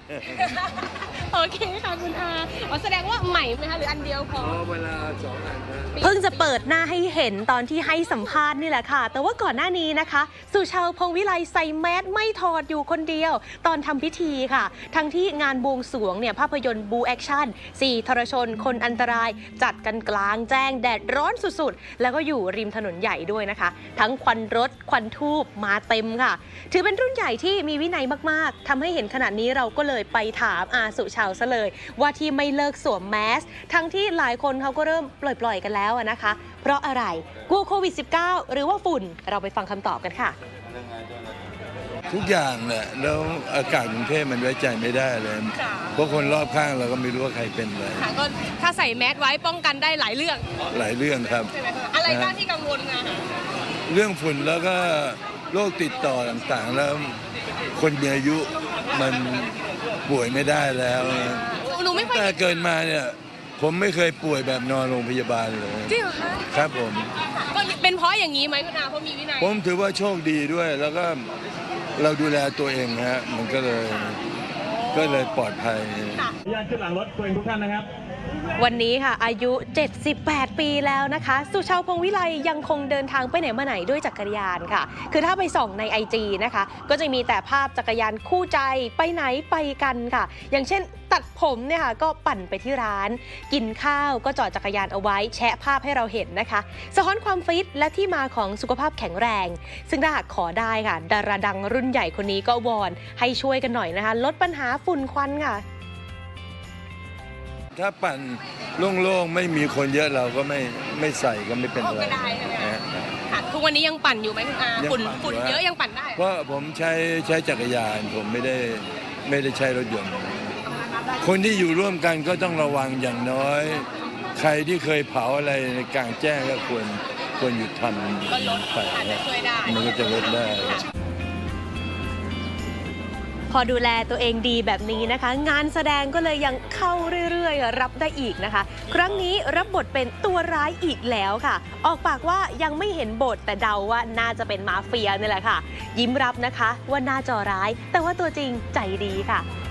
โอเคค่ะคุณอาแสดงว่าใหม่ไหมคะหรืออันเดียวพอเวลา2 อันนะเพิ่งจะเปิดหน้าให้เห็นตอนที่ให้สัมภาษณ์นี่แหละค่ะแต่ว่าก่อนหน้านี้นะคะสุชาวพงษ์วิไลใส่แมสไม่ถอดอยู่คนเดียวตอนทำพิธีค่ะทั้งที่งานบวงสรวงเนี่ยภาพยนตร์บูแอคชั่น4ทรชนคนอันตรายจัดกันกลางแจ้งแดดร้อนสุดๆแล้วก็อยู่ริมถนนใหญ่ด้วยนะคะทั้งควันรถควันทูบมาเต็มค่ะถือเป็นรุ่นใหญ่ที่มีวินัยมากๆทำให้เห็นขนาดนี้เราก็เลยไปถามอาสุชาวซะเลยว่าที่ไม่เลิกสวมแมสทั้งที่หลายคนเขาก็เริ่มปล่อยๆกันแล้วนะคะเพราะอะไรกลัวโควิด -19 หรือว่าฝุ่นเราไปฟังคำตอบกันค่ะทุกอย่างแหละแล้วอากาศกรุงเทพมันไว้ใจไม่ได้เลยเพราะคนรอบข้างเราก็ไม่รู้ว่าใครเป็นอะไรก็ถ้าใส่แมสไว้ป้องกันได้หลายเรื่องครับอะไรบ้างที่กังวลนะเรื่องฝุ่นแล้วก็โรคติดต่อต่างๆแล้วคนมีอายุมันป่วยไม่ได้แล้วหนูไม่แต่เกินมาเนี่ยผมไม่เคยป่วยแบบนอนโรงพยาบาลเลยจริงเหรอคะครับผมก็เป็นเพราะอย่างนี้ไหมคุณอาเพราะมีวินัยผมถือว่าโชคดีด้วยแล้วก็เราดูแลตัวเองฮะมันก็เลยปลอดภัยญาติขึ้นหลังรถตัวเองทุกท่านนะครับวันนี้ค่ะอายุ78 ปีแล้วนะคะสุชาวพงษ์วิไลยังคงเดินทางไปไหนมาไหนด้วยจักรยานค่ะคือถ้าไปส่องใน IG นะคะก็จะมีแต่ภาพจักรยานคู่ใจไปไหนไปกันค่ะอย่างเช่นตัดผมเนี่ยค่ะก็ปั่นไปที่ร้านกินข้าวก็จอดจักรยานเอาไว้แชะภาพให้เราเห็นนะคะสะท้อนความฟิตและที่มาของสุขภาพแข็งแรงซึ่งถ้าหากขอได้ค่ะดาราดังรุ่นใหญ่คนนี้ก็วอนให้ช่วยกันหน่อยนะคะลดปัญหาฝุ่นควันค่ะถ้าปั่นโล่งๆไม่มีคนเยอะเราก็ไม่ใส่ก็ไม่เป็นไรค่ะทุกวันนี้ยังปั่นอยู่ไหมคุณอาฝุ่นเยอะยังปั่นได้เพราะผมใช้จักรยานผมไม่ได้ใช้รถยนต์คนที่อยู่ร่วมกันก็ต้องระวังอย่างน้อยใครที่เคยเผาอะไรในกลางแจ้งก็ควรหยุดทำก็ลดอาจจะช่วยได้มันก็จะลดได้พอดูแลตัวเองดีแบบนี้นะคะงานแสดงก็เลยยังเข้าเรื่อยๆรับได้อีกนะคะครั้งนี้รับบทเป็นตัวร้ายอีกแล้วค่ะออกปากว่ายังไม่เห็นบทแต่เดาว่าน่าจะเป็นมาเฟียนี่แหละค่ะยิ้มรับนะคะว่าหน้าจอร้ายแต่ว่าตัวจริงใจดีค่ะ